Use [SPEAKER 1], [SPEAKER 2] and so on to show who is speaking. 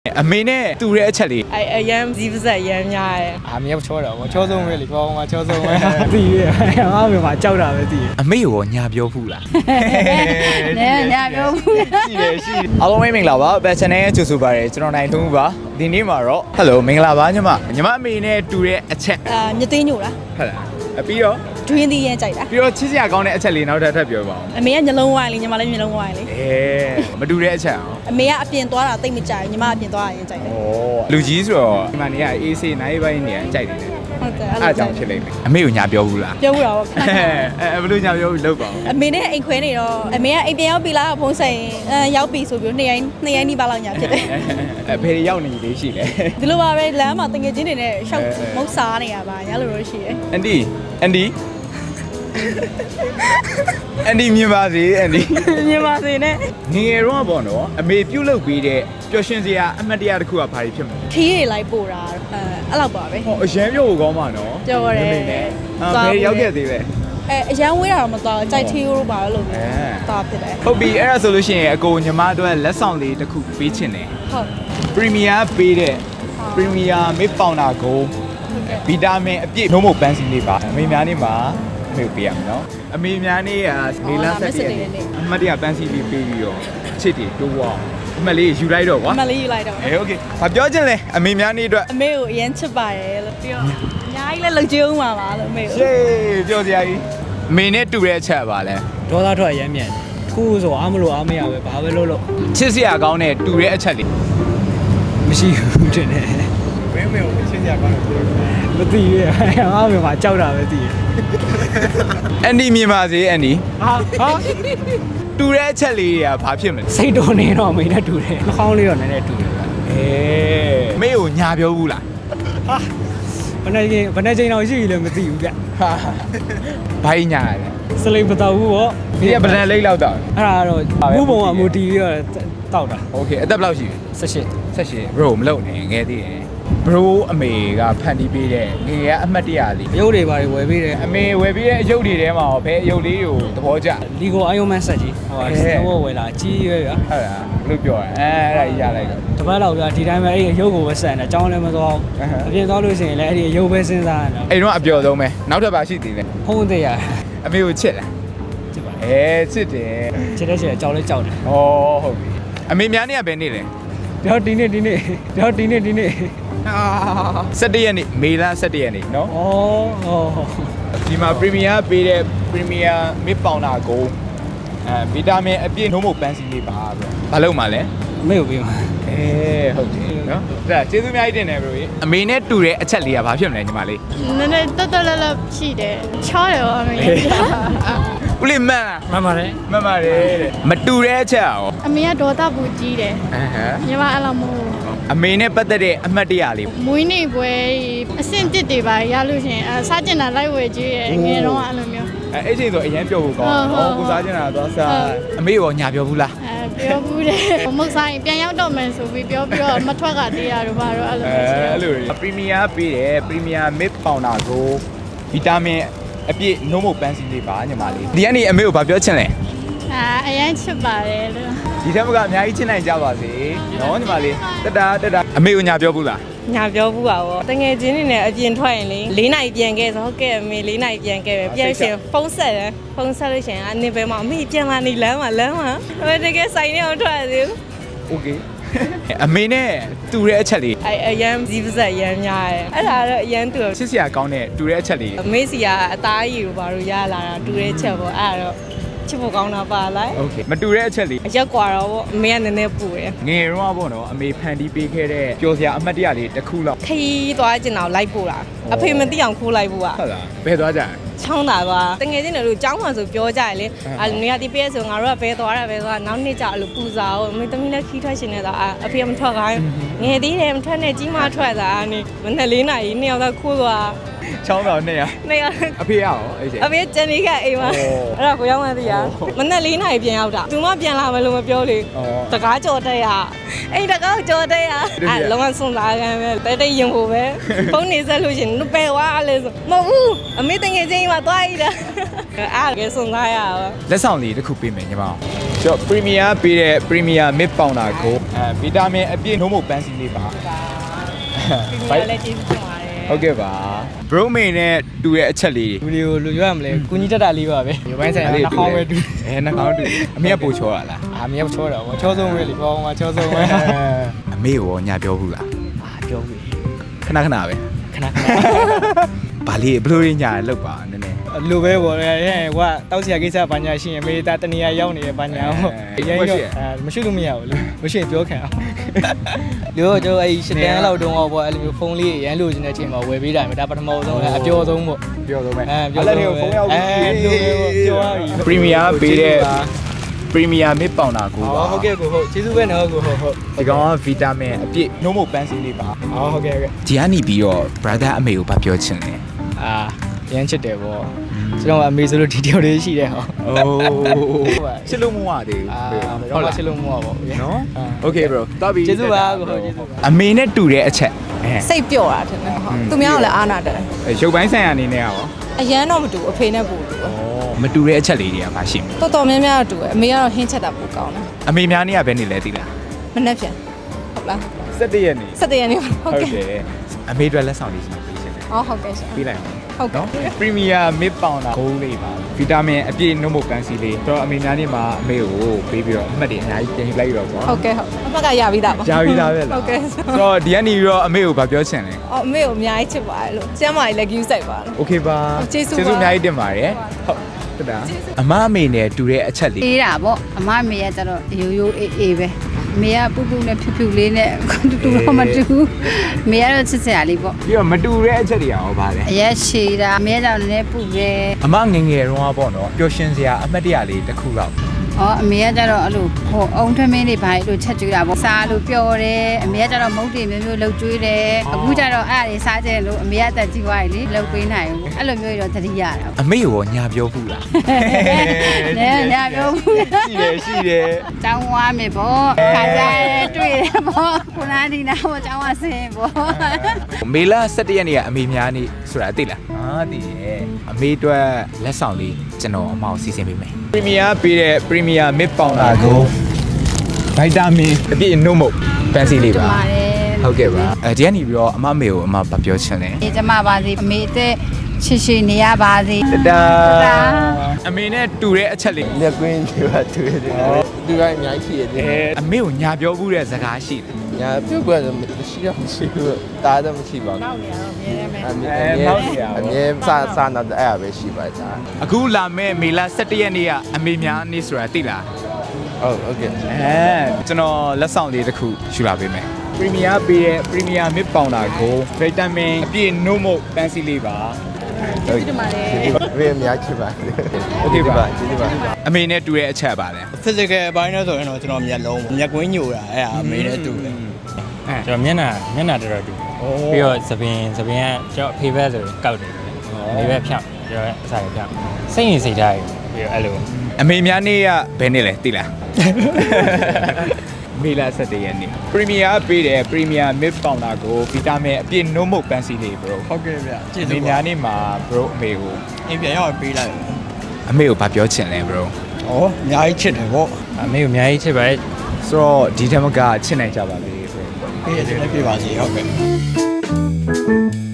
[SPEAKER 1] အမေနဲ့တူတဲ့အချက်လေး
[SPEAKER 2] အရန်ဇီးပစက်ရမ်းများတယ်
[SPEAKER 3] အမေကချောတာဗောချောဆုံးပဲလေဘောမှာချောဆုံးပဲသိရငါ့မေမှာကြောက်တာပဲသိရ
[SPEAKER 1] အမေရောညာပြောဖူးလား
[SPEAKER 2] နဲညာပြောဖူး
[SPEAKER 1] ရှိတယ်ရှိတယ်အားလုံးမင်္ဂလာပါဘက်ချန်နယ်ရဲ့ကြိုဆိုပါရစေကျွန်တော်နိုင်ထုံးပါဒီနေ့မှာတော့ဟယ်လိုမင်္ဂလာပါညီမအမေနဲ့တူတဲ့အချက်
[SPEAKER 2] မြသိညို့လား
[SPEAKER 1] ဟုတ်လားပြီးတော့
[SPEAKER 2] ဒွင်းသီးရမ်းကြိုက်တာ
[SPEAKER 1] ပြီးတော့ချစ်စရာကောင်းတဲ့အချက်လေးနောက်ထပ်ပြောပါဦး
[SPEAKER 2] အမေကညလုံးဝိုင်းလေညီမလည်းညလုံးဝိုင်းလေ
[SPEAKER 1] မတူတဲ့အချက်အောင်
[SPEAKER 2] အမေကအပြင်သွားတာတိတ်မကြိုက်ညီမအပြင်သွားတာရင်ကြိုက်တယ်
[SPEAKER 1] လူကြီးဆိုတော့ဒီမှာနေရအေးဆေးနိုင်ပိုင်းနေရကြိုက်တယ်
[SPEAKER 2] ဟုတ်တယ်
[SPEAKER 1] အဲ့ကြောင့်ဖြစ်လိမ့်မယ်အမေကိုညာပြောဘူးလား
[SPEAKER 2] ပြောဘူးတော့
[SPEAKER 1] ဘယ်လိုညာပြောဘူးလောက်ပါဦး
[SPEAKER 2] အမေနဲ့အိမ်ခွဲနေတော့အမေကအိမ်ပြန်ရောက်ပြီလားဖုန်းဆိုင်ရောက်ပြီဆိုပြီးနှစ်ရိုင်းနီးပါလောက်ညာဖြစ်တယ်
[SPEAKER 1] ဘယ်ရောက်နေလေးရှိလဲ
[SPEAKER 2] ဒီလိုပါပဲလမ်းမှာတငယ်ချင်းတွေနဲ့ရှောက်မုတ်စားနေရပါရလို့ရှိရယ်
[SPEAKER 1] အန်ဒီမြင်ပါစေအန်ဒီ
[SPEAKER 2] မြင်ပါစေနဲ့
[SPEAKER 1] ငယ်တော့ပေါ့နော်အမေပြုတ်လုပ်ပြီးတဲ့ပျော်ရွှင်စရာအမှတ်တရတစ်ခုကဘာဖြစ်မလဲ
[SPEAKER 2] ခီးတွေလိုက်ပို့တာအဲ့လောက်ပါပဲ
[SPEAKER 1] ဟောအရန်ပြုတ်ကောင်းပါနော်
[SPEAKER 2] ပြောရတယ်
[SPEAKER 1] ဘယ်ရောက်ခဲ့သေးလဲ
[SPEAKER 2] အရန်ဝေးတာတော့မသွားကြိုက်သေးလို့ပါလို့တာဖြစ်တယ်
[SPEAKER 1] ဟုတ်ပြီအဲ့ဒါဆိုလို့ရှိရင်အကိုညီမတို့လက်ဆောင်လေးတစ်ခုပေးချင်တယ်
[SPEAKER 2] ဟုတ်
[SPEAKER 1] ပရီမီယာပေးတဲ့ပရီမီယာမစ်ပေါင်တာကိုဗီတာမင်အပြည့်နှုံးမပန်းစီလေးပါအမေများနေမှာအမေပေးရမယ်နော်အမေများနေကနေလဆက်ပြည့်အမှတ်တရပန်းစီလေးပေးပြီးတော့ချစ်တီတိုးအောင်အမှတ်လေးယူလိုက်တော့ကွာ
[SPEAKER 2] အမှတ်လေးယူလိုက်တော့
[SPEAKER 1] โอเคဘာပြောချင်လဲအမေများနေအတွက်
[SPEAKER 2] အမေကိုအရင်ချစ်ပါတယ်လို့ပြောအများကြီးလည်းလှုပ်ကြုံပါပါလို့အမေကို
[SPEAKER 1] ရှေးပြောစရာကြီးအမေနဲ့တူတဲ့အချက်ပါလဲ
[SPEAKER 3] ဒေါသထွက်ရမ်းမြန်ခုဆိုအားမလို့အားမရပဲဘာပဲလုပ်လို့
[SPEAKER 1] ချစ်စရာကောင်းတဲ့တူတဲ့အချက်လေး
[SPEAKER 3] မရှိဘူးတင်တယ်
[SPEAKER 1] မင်းကိုချစ်စရာကောင်းတယ်
[SPEAKER 3] မသိရငါ့မေမှာကြောက်တာပဲသိရ
[SPEAKER 1] အန်ဒီမြင်ပါစေအန်ဒီ
[SPEAKER 3] ဟာ
[SPEAKER 1] တူတဲ့အချက်လေးတွေကဘာဖြစ်မလဲ
[SPEAKER 3] စိတ်တော်နေတော့မိနဲ့တူတယ်နှာခေါင်းလေးတော့နည်းနည်းတူတယ်
[SPEAKER 1] မေကိုညာပြောဘူးလား
[SPEAKER 3] ဟာဘယ်နဲ့ချိန်တော့ရှိပြီလဲမသိဘူးဗျ
[SPEAKER 1] ဟာဘာညာလဲ
[SPEAKER 3] စလိမ်မတော်ဘူးဗော
[SPEAKER 1] ဒီကဗလန်လိတ်လောက်တော့
[SPEAKER 3] အဲ့ဒါတော့ဘူးပုံကအမူတီပြီးတော့တောက်တာ
[SPEAKER 1] โอเคအသက်ဘယ်လောက်ရှိလဲ
[SPEAKER 3] 18
[SPEAKER 1] bro မလုပ်နဲ့ငယ်သေးတယ်bro အမေကဖန်တီးပေးတဲ့ငယ်ကအမှတ်တရလေး
[SPEAKER 3] ရုပ်တွေပါဝယ်ပေးတယ်
[SPEAKER 1] အမေဝယ်ပေးတဲ့အရုပ်တွေထဲမှာဘယ်အရုပ်လေးကိုသဘောကျ
[SPEAKER 3] လီဂိုအိုင်ယွန်မန်ဆက်ကြီးဟိုဘောဝယ်လာကြီးရွယ်ဗျာ
[SPEAKER 1] ဟုတ်လားဘလို့ပြောရအဲ့ဒါကြီးရလိုက်တော့
[SPEAKER 3] တပတ်လောက်ဗျာဒီတိုင်းပဲအဲ့အရုပ်ကိုပဲဆက်နေအကြောင်းလည်းမသွားဘူးအပြင်သွားလို့ရှိရင်လည်းအဲ့ဒီအရုပ်ပဲစဉ်းစားနေတာ
[SPEAKER 1] အဲ့တော့အပျော်ဆုံးပဲနောက်ထပ်ပါရှိသေးတယ်
[SPEAKER 3] ဖုံးသေးရ
[SPEAKER 1] အမေကိုချစ်လား
[SPEAKER 3] ချစ်ပါ
[SPEAKER 1] ချစ်တယ်
[SPEAKER 3] ချစ်တဲ့ချက်အကြောင်းလေးကြောက်တယ်
[SPEAKER 1] ဩဟုတ်ပြီအမေများနေကဘယ်နေ့လဲ
[SPEAKER 3] တော့ဒီနေ့17
[SPEAKER 1] ရက်နေ့မေလ17ရက်နေ့နော်
[SPEAKER 3] ဩ
[SPEAKER 1] ဒီမှာပရီမီယာပေးတဲ့ပရီမီယာမစ်ပေါင်တာကိုဗီတာမင်အပြည့်နှုံးမပန်းစီလေးပါဘယ်ဘာလုပ်မှာလဲ
[SPEAKER 3] အမေကိုပေးမှာ
[SPEAKER 1] ဟုတ်တယ်နော်ဒါကျေးဇူးအများကြီးတင်တယ်ဘရိုအမေနဲ့တူတဲ့အချက်လေးကဘာဖြစ်မလဲညီမလေး
[SPEAKER 2] နည်းနည်းတက်လရှိတယ်ချောတယ်ဗောအမေ
[SPEAKER 1] ဦးလေးမှန်
[SPEAKER 3] ပါတယ်
[SPEAKER 1] တဲ့မတူတဲ့အချက်ရော
[SPEAKER 2] အမေကဒေါသပူကြီးတယ်ညီမအဲ့လိုမဟုတ်
[SPEAKER 1] အမေနဲ့ပတ်သက်တဲ့အမှတ်တရလေး
[SPEAKER 2] မွေးနေ့ပွဲအဆင့်တစ်တွေပါရလို့ရှင်စားကျင်တာလိုက်ဝယ်ကြည့်ရငယ်တော့အဲ့လိုမျိုး
[SPEAKER 1] အဲ့ချိန်ဆိုအရင်ပြောဖို့ကောင်းကိုစားကျင်တာသွားစားအမေရောညာပြောဘူးလား
[SPEAKER 2] ပြောဘူးတယ်မဟုတ်ဆိုင်ပြန်ရောက်တော့မယ်ဆိုပြီးပြောပြီးတော့မထွက်ကသေးရတော့ဘာတော့အဲ့လိုမျိုး
[SPEAKER 1] အဲ့လိုပရီမီယာပေးတယ်ပရီမီယာမစ်ပေါင်တာကိုဗီတာမင်အပြည့်နှုံးမပန်းစီလေးပါညီမလေးဒီကနေအမေကိုဘာပြောချင်လဲ
[SPEAKER 2] အရင်ချစ်ပါတယ်လို့
[SPEAKER 1] ဒီထက်မကအများကြီးချစ်နိုင်ကြပါစေနော်ညီမလေးတက်တာအမေကိုညာပြောဘူးလား
[SPEAKER 2] ညာပြောဘူးပါဗောတငယ်ချင်းတွေနဲ့အပြင်ထွက်ရင်လေ4နာရီပြန်ခဲ့ဆိုဟုတ်ကဲ့အမေ4နာရီပြန်ခဲ့ပဲပြန်ရှင်ဖုန်းဆက်လို့ရှင်အနေပဲမအမေပြန်လာနေလမ်းမှာတကယ်ဆိုင်နေအောင်ထွက်ရသေးဘူး
[SPEAKER 1] โอเคအမေနဲ့တူတဲ့အချက်လေး
[SPEAKER 2] အရန်ဇီးပစက်ရမ်းများတယ်အဲ့ဒါတော့အရန်တူ
[SPEAKER 1] ချစ်စရာကောင်းတဲ့တူတဲ့အချက်လေး
[SPEAKER 2] အမေစီကအသားရည်ကိုဘာလို့ရလာတာတူတဲ့ချက်ပေါ့အဲ့ဒါတော့ချစ်ဖို့ကောင်းတာပါလား
[SPEAKER 1] โอเคမတူတဲ့အချက်လေး
[SPEAKER 2] အရက်ကွာတော့ဗောအမေကနည်းနည်းပူတယ်
[SPEAKER 1] ငယ်တော့ဗောနော်အမေဖန်တီးပေးခဲ့တဲ့ပျော်စရာအမှတ်တရလေးတစ်ခုလောက်
[SPEAKER 2] ခီးသွားကျင်တော့လိုက်ပို့တာအဖေမသိအောင်ခိုးလိုက်ဖို့อ่ะ
[SPEAKER 1] ဟုတ်လားဘယ်သွားကြ
[SPEAKER 2] ချောင်းတာသွားတငယ်ချင်းတို့ကျောင်းမှာဆိုပြောကြရလေနေရာဒီပြည့်ဆိုငါတို့ကဘဲသွားနောက်နေ့ကျအဲ့လိုပူစာအောင်အမေသမီးလည်းခီးထွက်ရှင်နေတာအဖေမထွက်ခိုင်းငယ်သေးတယ်မထွက်နဲ့ကြီးမထွက်တာအနေမနဲ့4နာရီ2ယောက်တော့ခိုးသွား
[SPEAKER 1] ချောင်းတော့2ယောက်အဖေရောအဲ့ချိန်
[SPEAKER 2] အဖေကျန်နေခဲ့အိမ်မှာအဲ့ဒါကိုရောက်မှသိရမနဲ့4နာရီပြန်ရောက်တာသူမပြန်လာမယ်လို့မပြောလေတကားကြော်တက်ရအဲ့တကားကြော်တက်ရအဲ့လုံးဝစွန့်စားခံပဲတဲရင်ဖို့ပဲဖုန်းနေဆက်လို့ရှင်ပဲဝါလဲဆိုမဟုတ်ဘူးအမေတငယ်ချင်းမှာသွားရည်တယ်အားကစွန်သားရပါ
[SPEAKER 1] လက်ဆောင်လေးတစ်ခုပေးမယ်ညီမကျွန်တော် Premier ပေးတဲ့ Premier Mid Powder ကိုဗီတာမင်အပြည့်နှုံးမပန်းစီလေးပါ
[SPEAKER 2] ပြီးလည်းကျေးဇူးတင်ပါတယ်
[SPEAKER 1] ဟုတ်ကဲ့ပါ bro မေနဲ့တူတဲ့အချက်လေး
[SPEAKER 3] လူတွေကိုလူရွရမလဲကုညီတက်တာလေးပါပဲရုပ်ပိုင်းဆိုင်ရာနှာခေါင်းပဲတူ
[SPEAKER 1] နှာခေါင်းတူအမေကပို့ချောရလား
[SPEAKER 3] အာမြေချောတာပေါ့ချောဆုံးပဲလေဘောမှာချောဆုံးပဲ
[SPEAKER 1] အမေရောညာပြောဘူးလား
[SPEAKER 3] အာပြောပြီ
[SPEAKER 1] ခဏခဏပဲ
[SPEAKER 3] ခဏခဏ
[SPEAKER 1] ဗာလေးဘလို့ရညာလောက်ပါနည်းနည်း
[SPEAKER 3] လူပဲပေါ့လေဟိုကတောက်စီရကိစ္စဘာညာရှိရင်မေတာတနေရာရောက်နေတယ်ဘာညာပေါ့ရရင်တော့မရှိလို့မရဘူးလေမရှိရင်ပြောခံအောင်လူတို့ကျွန်တော်အဲ့ရှစ်တန်းလောက်တုန်းကပေါ့အဲ့လိုမျိုးဖုန်းလေးရမ်းလို့ခြင်းတဲ့အချိန်မှာဝယ်ပေးတာမျိုးဒါပထမဆုံးလဲအပြောဆုံးပေါ့
[SPEAKER 1] ပြောဆုံးပဲ
[SPEAKER 3] ပြောဆုံးဖုန်းရောက်ပြီပြောရပြီ
[SPEAKER 1] Premier ပေးတဲ့ Premier Mid Powder ကိုပါ
[SPEAKER 3] ဟုတ်ကဲ့ကိုဟုတ်ကျေးဇူးပဲနော်ကိုဟုတ်
[SPEAKER 1] ဒီကောင်ကဗီတာမင်အပြည့်နှုံးမပန်းစီလေးပါ
[SPEAKER 3] ဟုတ်ကဲ့
[SPEAKER 1] ဒီကနေပြီးတော့ brother အမေကိုဗပြောချင်တယ်
[SPEAKER 3] အာရမ်းချစ်တယ်ပေါ့ကျွန်တော်အမေဆိုလို့ဒီတယောက်လေးရှိတယ်ဟော
[SPEAKER 1] အိုးချစ်လို့မဝသေး
[SPEAKER 3] ဟုတ်လားချစ်လို့မဟုတ်ပါဘူး
[SPEAKER 1] နော် Okay bro တော်ပြီ
[SPEAKER 3] ကျေးဇူးပါကိုဟုတ်ကျေးဇူးပါ
[SPEAKER 1] အမေနဲ့တူတဲ့အချက်
[SPEAKER 2] စိတ်ပျော့တာထင်တယ်ဟုတ်သူများကလည်းအားနာတယ်
[SPEAKER 1] ရုပ်ပိုင်းဆိုင်ရာအနေနဲ့ရော
[SPEAKER 2] အရန်တော့မတူအဖေနဲ့ပို့တူ
[SPEAKER 1] မတူတဲ့အချက်လေးတွေကမှရှိမယ်
[SPEAKER 2] တော်တော်များများတူအမေကတော့ဟင်းချက်တာပိုကောင်းတယ်
[SPEAKER 1] အမေများနေရဘယ်နေလဲသိလား
[SPEAKER 2] မနှက်ပြန်ဟုတ်လား
[SPEAKER 1] 17ရက်နေ
[SPEAKER 2] 17ရက်နေ့ဟုတ်ကဲ့
[SPEAKER 1] အမေအတွက်လက်ဆောင်လေးရှိပေးရှင်တယ်
[SPEAKER 2] ဟုတ်ကဲ့ရှင်
[SPEAKER 1] ပေးလိုက်အောင်
[SPEAKER 2] ဟုတ်ကဲ့
[SPEAKER 1] နော် Premier Mid Powder ဂိုးလေးပါဗီတာမင်အပြည့်နှုံးမပန်းစီလေးတော့အမေများနေမှာအမေကိုပေးပြီးတော့အမှတ်တွေအများကြီးပြင်လိုက်တော့ပေါ့
[SPEAKER 2] ဟုတ်ကဲ့ဟုတ်အမှတ်ကရပြီးသားပါ
[SPEAKER 1] ကြားပြီးသားပဲလား
[SPEAKER 2] ဟုတ်ကဲ့
[SPEAKER 1] ဆိုတော့ဒီကနေပြီးတော့အမေကိုဗပြောချင်လဲ
[SPEAKER 2] အော်အမေကိုအများကြီးချစ်ပါတယ်လို့ကျမ်းမာကြီးလည်း queue ဆိုင်ပါလို့
[SPEAKER 1] Okay ပါ
[SPEAKER 2] ကျေးဇူးပါ
[SPEAKER 1] အများကြီးတင်ပါတယ်ဟုတ်တဒါအမအမေနဲ့တူတဲ့အချက်လေး
[SPEAKER 4] အေးတာပေါ့အမအမေကကျတော့ရိုးရိုးအေးအေးပဲအမေကပူပူနဲ့ဖြူဖြူလေးနဲ့တူတူတော့မတူဘူးအမေကတော့ချစ်စရာလေးပေါ့
[SPEAKER 1] ပြီးတော့မတူတဲ့အချက်တွေရောဗါလဲ
[SPEAKER 4] အရက်ရှည်တာအမေကကြောင့်လည်းပူတယ်
[SPEAKER 1] အမငယ်ငယ်တုန်းကပေါ့နော်ပျော်ရွှင်စရာအမှတ်တရလေးတစ်ခုတော့
[SPEAKER 4] ဩအမေကကျတော့အဲ့လိုဟိုအုံထမင်းတွေဘာလို့ချက်ကျွေးတာပေါ့စားလို့ပျော်တယ်အမေကကျတော့မုတ်တွေမျိုးမျိုးလှုပ်ကျွေးတယ်အခုကျတော့အဲ့ဒါတွေစားကြတယ်လို့အမေကအသက်ကြီးသွားပြီလေလှုပ်ပေးနိုင်ဘူးအဲ့လိုမျိုးတော့သတိရတာ
[SPEAKER 1] အမေရောညာပြောဘူးလား
[SPEAKER 4] နဲညာပြောဘူး
[SPEAKER 1] ရှိတယ်
[SPEAKER 4] ကျောင်းဝါမယ်ပေါ့ခါကြရဲတွေ့တယ်ပေါ့ခုနကဒီနာပေါ့ကျောင်းဝါဆင်းပေါ့
[SPEAKER 1] မေလ17ရက်နေ့ကအမေများနေ့ဆိုတာသိလားသိရဲ့အမေအတွက်လက်ဆောင်လေးကျွန်တော်အမအောင်စီစဉ်ပေးမယ် Premier ပေးတဲ့ Premier Mid Powder ကိုဗီတာမင်အပြည့်နှုံးမပန်းစီလေးပါဟုတ်ကဲ့ပါဒီကနေပြီးတော့အမမေကိုအမဗပြောချင်တယ်
[SPEAKER 4] ဒီကျမပါစီအမေအသက်ရှိရှိနေရပါစေ
[SPEAKER 1] တာအမေနဲ့တူတဲ့အချက်လေး
[SPEAKER 5] လက်ကွင်းတွေပါတွေ့တယ်သူကအများကြီးရှိရတယ်
[SPEAKER 1] အမေကိုညာပြောဘူးတဲ့စကားရှိတယ်
[SPEAKER 5] ညာပြုတ်ကွက်တော့မရှိတော့မရှိဘူးတားတော့မရှိပါဘူး
[SPEAKER 4] နောက်နေရတော့မြဲတယ်မယ်
[SPEAKER 5] အမြဲစာနာတဲ့အဲ့ပဲရှိပါတာ
[SPEAKER 1] အခုလာမဲ့မေလ17ရက်နေ့ကအမေများနေ့ဆိုတာသိလား
[SPEAKER 5] ဟုတ်ကဲ့
[SPEAKER 1] ကျွန်တော်လက်ဆောင်လေးတစ်ခုယူလာပေးမယ် Premier ပေးတဲ့ Premier Mid Powder ကိုဗီတာမင်အပြည့်နှုံးမပန်းစီလေးပါ
[SPEAKER 4] ဒီမှာလေ
[SPEAKER 5] ဝေးအများကြီးပါ
[SPEAKER 1] โอเคပါ
[SPEAKER 5] ကျေးဇူးပါ
[SPEAKER 1] အမေနဲ့တူတဲ့အချက်ပါလဲ
[SPEAKER 3] physical အပိုင်းနဲ့ဆိုရင်တော့ကျွန်တော်မျက်လုံးမျက်ကွင်းညိုတာအဲ့ဒါအမေနဲ့တူတယ်
[SPEAKER 6] ကျွန်တော်မျက်နှာတော်တော်တူပြီးတော့သပင်ကကျွန်တော်အဖေဘက်ဆိုကောက်တယ်အမေဘက်ဖြောင်းကျွန်တော်အစားရဖြောင်းစိတ်ရင်စိတ်ထားပြီးတော့အဲ့လို
[SPEAKER 1] အမေများနေ့ကဘယ်နေ့လဲသိလားမေလ17ရက်နေ့ Premier ပေးတဲ့ Premier Mid Powder ကိုဗီတာမင်အပြည့်နှုံးမပန်းစီလေး bro
[SPEAKER 3] ဟုတ်ကဲ့ဗျကျေး
[SPEAKER 1] အ
[SPEAKER 3] ဇူး
[SPEAKER 1] မေများနေ့မှာ bro အမေကို
[SPEAKER 3] အိမ်ပြန်ရောက်ပေးလိုက်
[SPEAKER 1] အမေကိုဗပြောချင်လဲ bro
[SPEAKER 3] ဩအများကြီးချစ်တယ်ပေါ့
[SPEAKER 6] အမေကိုအများကြီးချစ်ပါတယ်
[SPEAKER 1] ဆိုတော့ဒီထက်မကချစ်နိုင်ကြပါလေ bro
[SPEAKER 3] ပေးရတဲ့ပြပါစီဟုတ်ကဲ့